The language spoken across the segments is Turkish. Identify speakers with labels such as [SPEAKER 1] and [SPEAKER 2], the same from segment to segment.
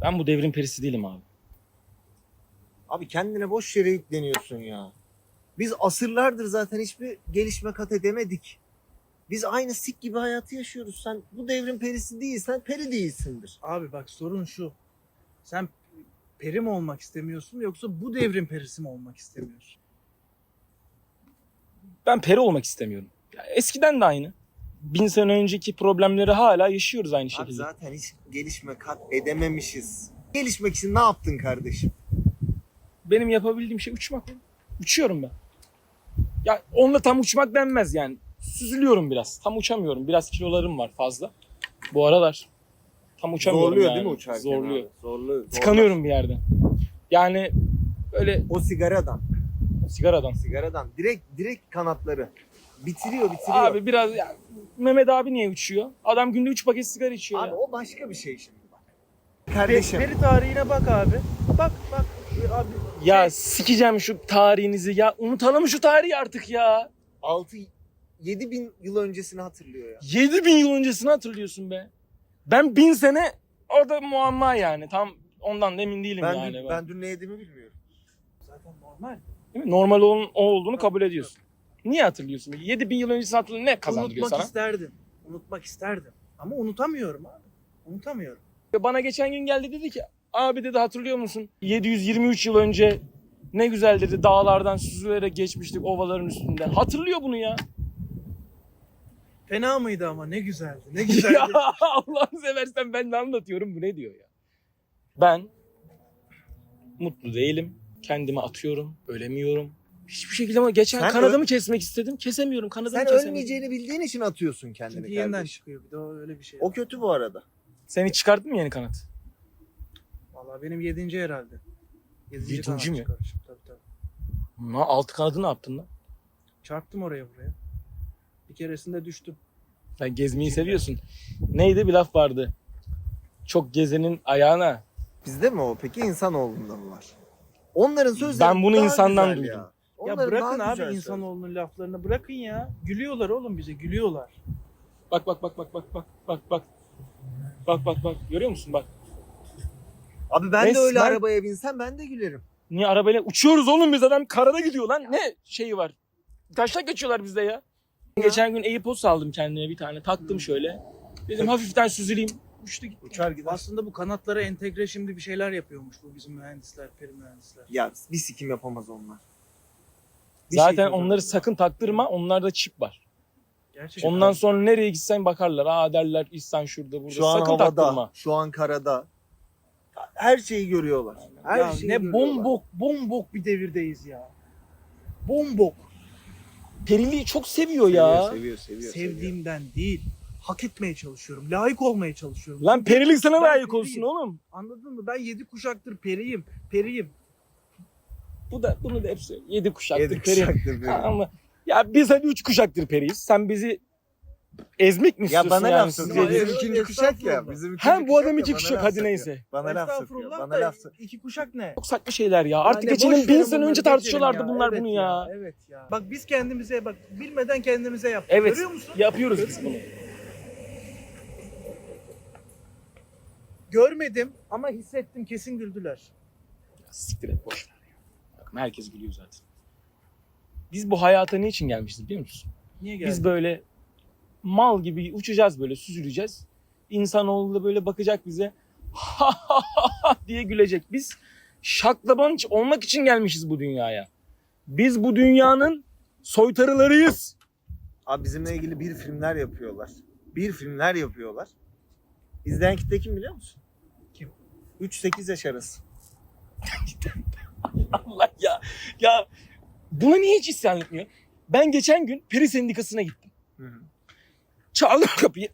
[SPEAKER 1] Ben bu devrin perisi değilim abi.
[SPEAKER 2] Abi kendine boş yere yükleniyorsun ya. Biz asırlardır zaten hiçbir gelişme kat edemedik. Biz aynı sik gibi hayatı yaşıyoruz. Sen bu devrin perisi değilsen peri değilsindir.
[SPEAKER 3] Abi bak sorun şu. Sen peri mi olmak istemiyorsun yoksa bu devrin perisi mi olmak istemiyorsun?
[SPEAKER 1] Ben peri olmak istemiyorum. Ya eskiden de aynı. 1000 sene önceki problemleri hala yaşıyoruz aynı
[SPEAKER 2] Abi
[SPEAKER 1] şekilde.
[SPEAKER 2] zaten hiç gelişme kat edememişiz. Gelişmek için ne yaptın kardeşim?
[SPEAKER 1] Benim yapabildiğim şey uçmak. Uçuyorum ben. Ya onunla tam uçmak denmez yani. Süzülüyorum biraz. Tam uçamıyorum. Biraz kilolarım var fazla. Bu aralar. Tam uçamıyorum
[SPEAKER 2] Zorluyor
[SPEAKER 1] yani.
[SPEAKER 2] değil mi uçarken?
[SPEAKER 1] Zorluyor.
[SPEAKER 2] Abi? Zorluyor.
[SPEAKER 1] Tıkanıyorum bir yerde. Yani böyle
[SPEAKER 2] O sigaradan.
[SPEAKER 1] sigaradan.
[SPEAKER 2] Direkt kanatları. Bitiriyor.
[SPEAKER 1] Abi biraz ya, Mehmet abi niye uçuyor? Adam günde 3 paket sigara içiyor
[SPEAKER 2] Abi
[SPEAKER 1] ya.
[SPEAKER 2] o başka bir şey şimdi bak. Kardeşim.
[SPEAKER 3] Peri tarihine bak abi. Bak. Abi,
[SPEAKER 1] Ya sikeceğim şu tarihinizi ya. Unutalım şu tarihi artık ya.
[SPEAKER 2] 7 bin yıl öncesini hatırlıyor ya.
[SPEAKER 1] 7000 yıl öncesini hatırlıyorsun be. Ben 1000 sene orada muamma yani. Tam ondan da emin değilim yani.
[SPEAKER 2] Ben dün ne yediğimi bilmiyorum.
[SPEAKER 3] zaten normal.
[SPEAKER 1] Değil mi? Normal o olduğunu kabul ediyorsun. Niye hatırlıyorsun? 7000 yıl öncesini hatırlıyor, ne kazandırıyor sana?
[SPEAKER 3] Unutmak isterdim. Ama unutamıyorum abi. Unutamıyorum.
[SPEAKER 1] Bana geçen gün geldi dedi ki abi dedi hatırlıyor musun? 723 yıl önce ne güzel dedi dağlardan süzülerek geçmiştik ovaların üstünden. Hatırlıyor bunu ya.
[SPEAKER 3] Fena mıydı ama ne güzeldi. Ne güzeldi.
[SPEAKER 1] Ya Allah'ını seversen ben de anlatıyorum bu ne diyor ya. Ben mutlu değilim. Kendimi atıyorum. Ölemiyorum. Hiçbir şekilde ama geçen
[SPEAKER 2] Sen
[SPEAKER 1] kanadımı kesmek istedim. Kesemiyorum. Kanadımı
[SPEAKER 2] Sen
[SPEAKER 1] kesemedim.
[SPEAKER 2] ölmeyeceğini bildiğin için atıyorsun kendini
[SPEAKER 3] Çünkü yeniden
[SPEAKER 2] kardeşim.
[SPEAKER 3] çıkıyor bir de öyle bir şey.
[SPEAKER 2] O kötü bu arada.
[SPEAKER 1] Seni çıkarttın mı yeni kanat?
[SPEAKER 3] Vallahi benim 7. herhalde.
[SPEAKER 1] 7.
[SPEAKER 3] kanat
[SPEAKER 1] mi?
[SPEAKER 3] çıkarmışım, tabii.
[SPEAKER 1] Altı kanadı ne yaptın lan?
[SPEAKER 3] Çarptım oraya buraya. Bir keresinde düştüm.
[SPEAKER 1] Sen gezmeyi seviyorsun. Neydi bir laf vardı. Çok gezenin ayağına.
[SPEAKER 2] Bizde mi o peki insanoğlunda mı var? Onların sözleri
[SPEAKER 1] Ben bunu
[SPEAKER 2] daha
[SPEAKER 1] insandan
[SPEAKER 2] güzel
[SPEAKER 1] duydum.
[SPEAKER 2] ya.
[SPEAKER 3] Ya
[SPEAKER 2] Onların
[SPEAKER 3] bırakın
[SPEAKER 2] daha
[SPEAKER 3] abi
[SPEAKER 2] güzel
[SPEAKER 3] insanoğlunun laflarını bırakın ya. Gülüyorlar oğlum bize gülüyorlar.
[SPEAKER 1] Bak. Bak. Görüyor musun bak.
[SPEAKER 2] söz. Abi ben de öyle
[SPEAKER 1] Resmen-
[SPEAKER 2] arabaya binsem ben de gülerim.
[SPEAKER 1] Niye arabayla uçuyoruz oğlum biz adam karada gidiyor lan. Ne şeyi var? Taşak geçiyorlar bizde ya. Geçen gün AirPods aldım kendime bir tane. Taktım şöyle. Dedim hafiften süzüleyim. Uçtu gitti.
[SPEAKER 2] Uçar gider.
[SPEAKER 3] Aslında bu kanatlara entegre şimdi bir şeyler yapıyormuş bu bizim mühendisler, peri mühendisler.
[SPEAKER 2] Ya bir sikim yapamaz onlar. Bir
[SPEAKER 1] Zaten
[SPEAKER 2] şey
[SPEAKER 1] onları
[SPEAKER 2] yapamaz.
[SPEAKER 1] sakın taktırma. Onlarda çip var.
[SPEAKER 3] Gerçekten.
[SPEAKER 1] Ondan sonra nereye gitsen bakarlar. Aa derler İhsan şurada burada.
[SPEAKER 2] Şu an
[SPEAKER 1] sakın
[SPEAKER 2] havada,
[SPEAKER 1] taktırma.
[SPEAKER 2] şu an karada. Her şeyi görüyorlar. Her
[SPEAKER 3] ya
[SPEAKER 2] şeyi
[SPEAKER 3] ne
[SPEAKER 2] görüyorlar.
[SPEAKER 3] bombok bir devirdeyiz ya. Bombok.
[SPEAKER 1] Periliği çok seviyor ya.
[SPEAKER 2] Seviyor.
[SPEAKER 3] Sevdiğimden değil. Hak etmeye çalışıyorum. Layık olmaya çalışıyorum.
[SPEAKER 1] Lan perilik sana
[SPEAKER 3] Ben
[SPEAKER 1] layık
[SPEAKER 3] periyim.
[SPEAKER 1] olsun oğlum.
[SPEAKER 3] Anladın mı? Ben 7 kuşaktır periyim. Periyim.
[SPEAKER 1] Bunu da hep söylüyor. 7 kuşaktır
[SPEAKER 2] Yedi
[SPEAKER 1] peri.
[SPEAKER 2] kuşaktır peri.
[SPEAKER 1] Ama ya biz hadi 3 kuşaktır periyiz. Sen bizi ezmek mi
[SPEAKER 2] Ya
[SPEAKER 1] istiyorsun
[SPEAKER 2] bana
[SPEAKER 1] yani?
[SPEAKER 2] laf
[SPEAKER 1] Siz
[SPEAKER 2] sokuyor.
[SPEAKER 1] yedi-
[SPEAKER 2] Bizim ikinci kuşak ya.
[SPEAKER 3] Estağfurullah.
[SPEAKER 2] Bizim
[SPEAKER 1] Hem bu adam
[SPEAKER 2] ya,
[SPEAKER 1] 2
[SPEAKER 2] bana
[SPEAKER 1] kuşak
[SPEAKER 2] laf
[SPEAKER 1] hadi
[SPEAKER 2] sokuyor.
[SPEAKER 1] neyse.
[SPEAKER 2] Bana laf sokuyor.
[SPEAKER 3] Estağfurullah
[SPEAKER 2] Bana
[SPEAKER 3] da
[SPEAKER 2] laf sokuyor.
[SPEAKER 3] 2 kuşak ne?
[SPEAKER 1] Çok saçma şeyler ya. Artık
[SPEAKER 3] Ya ne,
[SPEAKER 1] geçelim
[SPEAKER 3] boş
[SPEAKER 1] 1000
[SPEAKER 3] verin
[SPEAKER 1] sene
[SPEAKER 3] bunları,
[SPEAKER 1] önce
[SPEAKER 3] geçelim
[SPEAKER 1] tartışıyorlardı
[SPEAKER 3] ya.
[SPEAKER 1] bunlar
[SPEAKER 3] Evet
[SPEAKER 1] bunu ya.
[SPEAKER 3] Evet ya. Bak biz kendimize bak bilmeden kendimize yaptık.
[SPEAKER 1] Evet.
[SPEAKER 3] Görüyor musun?
[SPEAKER 1] Yapıyoruz biz bunu.
[SPEAKER 3] Görmedim ama hissettim kesin güldüler.
[SPEAKER 1] Ya siktir et boş ver ya. Bakın herkes gülüyor zaten. Biz bu hayata ne için gelmişiz biliyor musun?
[SPEAKER 3] Niye geldin?
[SPEAKER 1] Biz böyle mal gibi uçacağız böyle süzüleceğiz. İnsanoğlu da böyle bakacak bize diye gülecek. Biz şaklabanç olmak için gelmişiz bu dünyaya. Biz bu dünyanın soytarılarıyız.
[SPEAKER 2] Abi bizimle ilgili bir filmler yapıyorlar. İzleyen kitle kim biliyor musun?
[SPEAKER 3] Kim?
[SPEAKER 2] 3-8 yaş arası.
[SPEAKER 1] Allah ya. Ya buna niye hiç isyan etmiyor? Ben geçen gün peri sendikasına gittim.
[SPEAKER 2] Hı hı.
[SPEAKER 1] Çaldım kapıyı.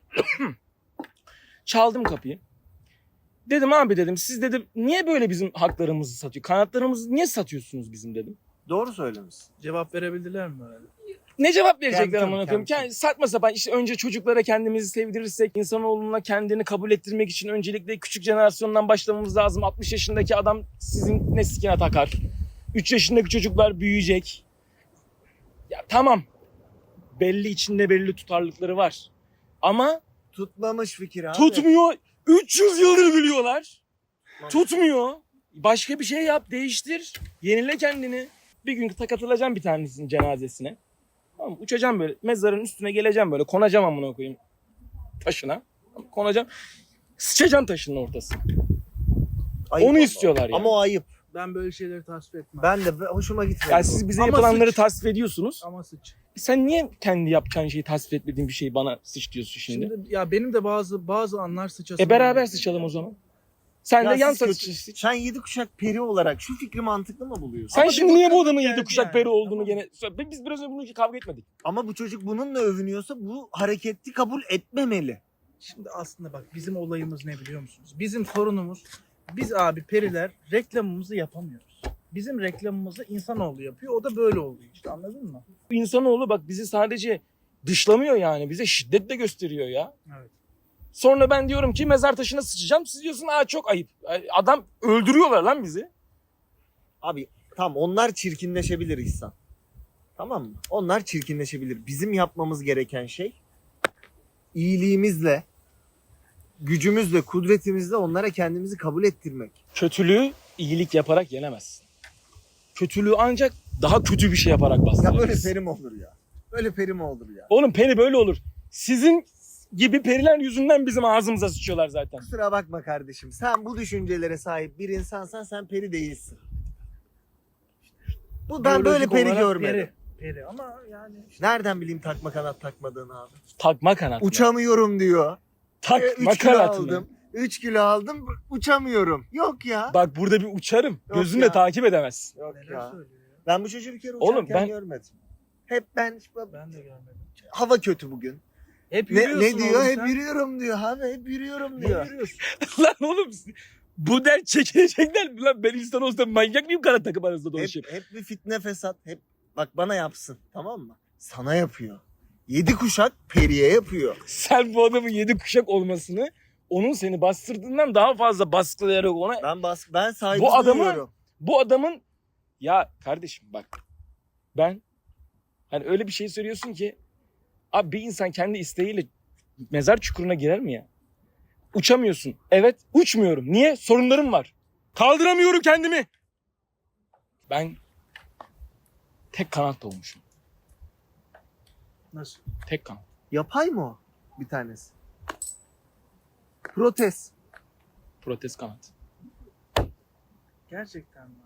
[SPEAKER 1] Çaldım kapıyı. Dedim abi dedim siz dedim niye böyle bizim haklarımızı satıyor? Kanatlarımızı niye satıyorsunuz bizim dedim.
[SPEAKER 2] Doğru söylemişsin.
[SPEAKER 3] Cevap verebildiler mi öyle?
[SPEAKER 1] Ne cevap verecekler
[SPEAKER 2] Kendim,
[SPEAKER 1] amına koyayım?
[SPEAKER 2] kendim.
[SPEAKER 1] Saçma sapan işte önce çocuklara kendimizi sevdirirsek insanoğluna kendini kabul ettirmek için öncelikle küçük jenerasyondan başlamamız lazım. 60 yaşındaki adam sizin ne sikine takar. 3 yaşındaki çocuklar büyüyecek. Ya tamam. Belli içinde belli tutarlılıkları var. Ama
[SPEAKER 2] Tutmamış fikir abi.
[SPEAKER 1] tutmuyor. 300 yıldır gülüyorlar. Tutmuyor. Başka bir şey yap, değiştir. Yenile kendini. Bir gün katılacağım bir tanesinin cenazesine. Tamam, uçacağım böyle. Mezarın üstüne geleceğim böyle. Konacağım amına koyayım taşına. Konacağım. Sıçacağım taşının ortasına.
[SPEAKER 2] Ayıp
[SPEAKER 1] Onu
[SPEAKER 2] ama.
[SPEAKER 1] istiyorlar yani.
[SPEAKER 2] Ama o ayıp.
[SPEAKER 3] Ben böyle şeyleri tasvip etmem.
[SPEAKER 2] Ben de hoşuma gitmedi.
[SPEAKER 1] Yani
[SPEAKER 2] bu.
[SPEAKER 1] siz bize
[SPEAKER 3] Ama
[SPEAKER 1] yapılanları
[SPEAKER 3] sıç.
[SPEAKER 1] tasvip ediyorsunuz.
[SPEAKER 3] Ama sıç.
[SPEAKER 1] Sen niye kendi yapacağın şeyi tasvip etmediğin bir şeyi bana sıç diyorsun şimdi?
[SPEAKER 3] Şimdi ya benim de bazı anlar sıçasım.
[SPEAKER 1] Beraber
[SPEAKER 3] geliyor.
[SPEAKER 1] sıçalım o zaman. Sen
[SPEAKER 2] Ya
[SPEAKER 1] de yan
[SPEAKER 2] siz kötü-
[SPEAKER 1] sıç.
[SPEAKER 2] Sen 7 kuşak peri olarak şu fikri mantıklı mı buluyorsun?
[SPEAKER 1] Sen
[SPEAKER 3] Ama
[SPEAKER 1] şimdi
[SPEAKER 3] bir
[SPEAKER 1] niye bu
[SPEAKER 3] bakıma
[SPEAKER 1] adamın
[SPEAKER 3] geldi
[SPEAKER 1] 7 kuşak
[SPEAKER 3] yani,
[SPEAKER 1] peri olduğunu
[SPEAKER 3] tamam.
[SPEAKER 1] gene... Biz biraz önce bunu kavga etmedik.
[SPEAKER 2] Ama bu çocuk bununla övünüyorsa bu hareketi kabul etmemeli.
[SPEAKER 3] Şimdi aslında bak bizim olayımız ne biliyor musunuz? Bizim sorunumuz biz abi periler reklamımızı yapamıyoruz. Bizim reklamımızı insanoğlu yapıyor. O da böyle oluyor işte anladın mı?
[SPEAKER 1] İnsanoğlu bak bizi sadece dışlamıyor yani. Bize şiddet de gösteriyor ya.
[SPEAKER 3] Evet.
[SPEAKER 1] Sonra ben diyorum ki mezar taşına sıçacağım. Siz diyorsun çok ayıp. Adam öldürüyorlar lan bizi.
[SPEAKER 2] Abi tamam onlar çirkinleşebilir İhsan. Tamam mı? Onlar çirkinleşebilir. Bizim yapmamız gereken şey iyiliğimizle, gücümüzle, kudretimizle onlara kendimizi kabul ettirmek.
[SPEAKER 1] Kötülüğü iyilik yaparak yenemezsin. Kötülüğü ancak daha kötü bir şey yaparak
[SPEAKER 2] Ya
[SPEAKER 1] bastırırsın.
[SPEAKER 2] böyle peri mi olur ya? Böyle peri mi olur ya?
[SPEAKER 1] Oğlum peri böyle olur. Sizin gibi periler yüzünden bizim ağzımıza sıçıyorlar zaten.
[SPEAKER 2] Kusura bakma kardeşim. Sen bu düşüncelere sahip bir insansan sen peri değilsin. Bu ben böyle
[SPEAKER 3] Biyolojik
[SPEAKER 2] peri
[SPEAKER 3] olarak
[SPEAKER 2] görmedim.
[SPEAKER 3] Peri ama yani işte
[SPEAKER 2] Nereden bileyim takma kanat takmadığını abi?
[SPEAKER 1] Takma kanat. mı?
[SPEAKER 2] Uçamıyorum diyor.
[SPEAKER 1] Takma
[SPEAKER 2] 3 kilo
[SPEAKER 1] kanat mı?
[SPEAKER 2] aldım. 3 kilo aldım uçamıyorum. Yok ya.
[SPEAKER 1] Bak burada bir uçarım.
[SPEAKER 2] Yok
[SPEAKER 1] Gözünle
[SPEAKER 2] ya.
[SPEAKER 1] takip edemezsin.
[SPEAKER 2] Yok
[SPEAKER 3] neler
[SPEAKER 2] ya.
[SPEAKER 3] söylüyor ya.
[SPEAKER 2] Ben bu çocuğu bir kere
[SPEAKER 1] Oğlum
[SPEAKER 2] uçarken
[SPEAKER 1] ben-
[SPEAKER 2] görmedim. Hep ben
[SPEAKER 3] Ben de görmedim.
[SPEAKER 2] hava kötü bugün.
[SPEAKER 3] Hep
[SPEAKER 2] Ne
[SPEAKER 3] yürüyorsun
[SPEAKER 2] diyor?
[SPEAKER 3] oğlum
[SPEAKER 2] Hep
[SPEAKER 3] sen.
[SPEAKER 2] yürüyorum diyor abi. Hep yürüyorum
[SPEAKER 3] Ne
[SPEAKER 2] diyor.
[SPEAKER 3] yürüyorsun?
[SPEAKER 1] Lan oğlum bu dert çekilecekler mi lan? Ben insan olsam manyak mıyım kanat takım arasında dolaşayım?
[SPEAKER 2] Hep bir fitne fesat. Hep bak bana yapsın. Tamam mı? Sana yapıyor. 7 kuşak periye yapıyor.
[SPEAKER 1] Sen bu adamın 7 kuşak olmasını onun seni bastırdığından daha fazla baskılayarak ona...
[SPEAKER 2] Ben saygı
[SPEAKER 1] Bu adamı-
[SPEAKER 2] duyuyorum.
[SPEAKER 1] Bu adamın... Ya kardeşim bak. Ben... Hani öyle bir şey söylüyorsun ki... Abi bir insan kendi isteğiyle mezar çukuruna girer mi ya? Uçamıyorsun. Evet uçmuyorum. Niye? Sorunlarım var. Kaldıramıyorum kendimi. Ben... Tek kanat doğmuşum.
[SPEAKER 3] Nasıl?
[SPEAKER 1] Tek kanat.
[SPEAKER 2] Yapay mı o? Bir tanesi. Protez.
[SPEAKER 1] Protez kanat.
[SPEAKER 3] Gerçekten mi?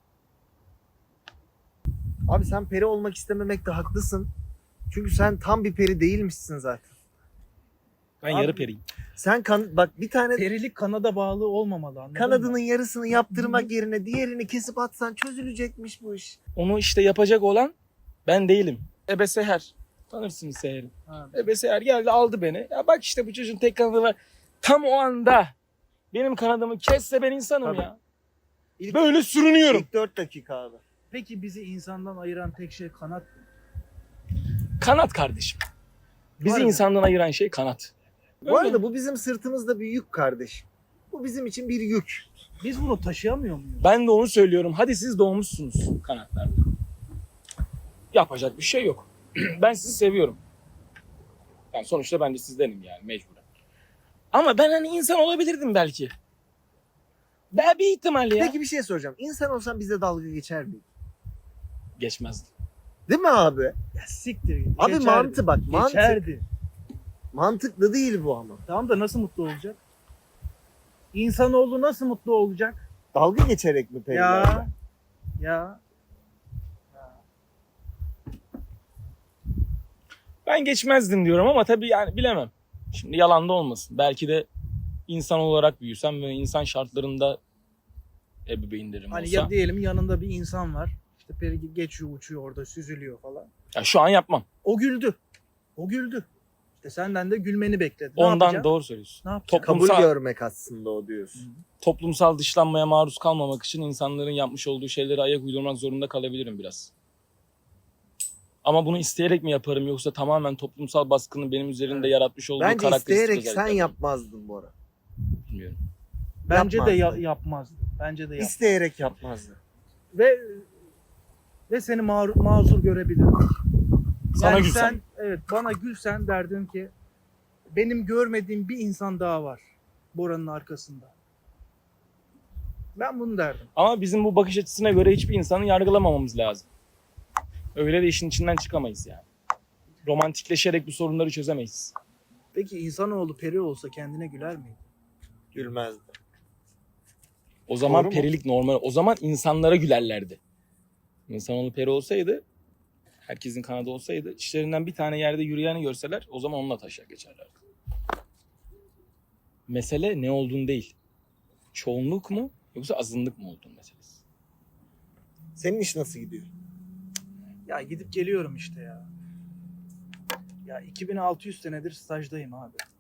[SPEAKER 2] Abi sen peri olmak istememekte haklısın. Çünkü sen tam bir peri değilmişsin zaten.
[SPEAKER 1] Ben
[SPEAKER 2] Abi-
[SPEAKER 1] yarı periyim.
[SPEAKER 2] Sen bak bir tane
[SPEAKER 3] Perilik kanada bağlı olmamalı anladın
[SPEAKER 2] kanadının
[SPEAKER 3] mı?
[SPEAKER 2] yarısını yaptırmak yerine diğerini kesip atsan çözülecekmiş bu iş.
[SPEAKER 1] Onu işte yapacak olan ben değilim. Ebe Seher. Tanırsınız Seher'i.
[SPEAKER 3] Ha.
[SPEAKER 1] Ebe Seher geldi aldı beni. Ya bak işte bu çocuğun tek kanadı var. Tam o anda benim kanadımı kesse ben insanım
[SPEAKER 2] Tabii.
[SPEAKER 1] ya.
[SPEAKER 2] İlk-
[SPEAKER 1] Böyle sürünüyorum.
[SPEAKER 2] İlk 4 dakika abi.
[SPEAKER 3] Peki bizi insandan ayıran tek şey kanat mı?
[SPEAKER 1] Kanat kardeşim. Bizi
[SPEAKER 3] Var mı?
[SPEAKER 1] insandan ayıran şey kanat.
[SPEAKER 2] Bu arada bu bizim sırtımızda bir yük kardeşim. Bu bizim için bir yük.
[SPEAKER 3] Biz bunu taşıyamıyor muyuz?
[SPEAKER 1] Ben de onu söylüyorum. Hadi siz doğmuşsunuz kanatlarla. Yapacak bir şey yok. Ben sizi seviyorum. Yani sonuçta ben de sizdenim yani mecburen. Ama ben hani insan olabilirdim belki. Ben bir ihtimal ya.
[SPEAKER 2] Peki bir şey soracağım. İnsan olsan bize dalga geçer mi?
[SPEAKER 1] Geçmezdi.
[SPEAKER 2] Değil mi abi?
[SPEAKER 3] Ya siktir git.
[SPEAKER 2] Abi
[SPEAKER 3] Geçerdi.
[SPEAKER 2] mantı bak.
[SPEAKER 3] Geçerdi.
[SPEAKER 2] Mantıklı değil bu ama.
[SPEAKER 3] Tamam da nasıl mutlu olacak? İnsanoğlu nasıl mutlu olacak?
[SPEAKER 2] Dalga geçerek mi perilerle?
[SPEAKER 3] Ya.
[SPEAKER 1] Ben geçmezdim diyorum ama tabii yani bilemem. Şimdi yalan da olmasın. Belki de insan olarak büyüsem ve insan şartlarında ebeveynlerim
[SPEAKER 3] Hani
[SPEAKER 1] olsa.
[SPEAKER 3] ya diyelim yanında bir insan var. İşte peri geçiyor, uçuyor orada, süzülüyor falan.
[SPEAKER 1] Ya şu an yapmam.
[SPEAKER 3] O güldü. O güldü. İşte senden de gülmeni bekledi. Ne
[SPEAKER 1] Ondan
[SPEAKER 3] yapacaksın?
[SPEAKER 1] doğru söylüyorsun.
[SPEAKER 3] Ne yapacaksın?
[SPEAKER 2] Kabul
[SPEAKER 1] Toplumsal,
[SPEAKER 2] görmek aslında o diyorsun.
[SPEAKER 1] toplumsal dışlanmaya maruz kalmamak için insanların yapmış olduğu şeylere ayak uydurmak zorunda kalabilirim biraz. Ama bunu isteyerek mi yaparım yoksa tamamen toplumsal baskının benim üzerimde
[SPEAKER 3] Evet.
[SPEAKER 1] yaratmış olduğu
[SPEAKER 2] Bence
[SPEAKER 1] karakteristik
[SPEAKER 2] isteyerek sen
[SPEAKER 1] özellikler mi?
[SPEAKER 2] yapmazdın bu ara.
[SPEAKER 1] Bilmiyorum.
[SPEAKER 3] Bence de
[SPEAKER 2] Yapmazdı.
[SPEAKER 3] yapmazdı. Bence de yapmazdı.
[SPEAKER 2] İsteyerek yapmazdı.
[SPEAKER 3] Ve seni mazur görebilirdim.
[SPEAKER 1] Sana
[SPEAKER 3] Yani
[SPEAKER 1] gülsem.
[SPEAKER 3] sen evet bana gülsen derdim ki benim görmediğim bir insan daha var Bora'nın arkasında. Ben bunu derdim.
[SPEAKER 1] Ama bizim bu bakış açısına göre hiçbir insanı yargılamamamız lazım. Öyle de işin içinden çıkamayız yani. Romantikleşerek bu sorunları çözemeyiz.
[SPEAKER 3] Peki insanoğlu peri olsa kendine güler miydi?
[SPEAKER 2] Gülmezdi.
[SPEAKER 1] O zaman
[SPEAKER 2] Doğru mu?
[SPEAKER 1] perilik normal. O zaman insanlara gülerlerdi. İnsanoğlu peri olsaydı, herkesin kanadı olsaydı, içlerinden bir tane yerde yürüyeni görseler o zaman onunla taşak geçerlerdi. Mesele ne olduğun değil. Çoğunluk mu yoksa azınlık mı olduğun meselesi.
[SPEAKER 2] Senin iş nasıl gidiyor?
[SPEAKER 3] Ya gidip geliyorum işte ya. Ya 2600 senedir stajdayım abi.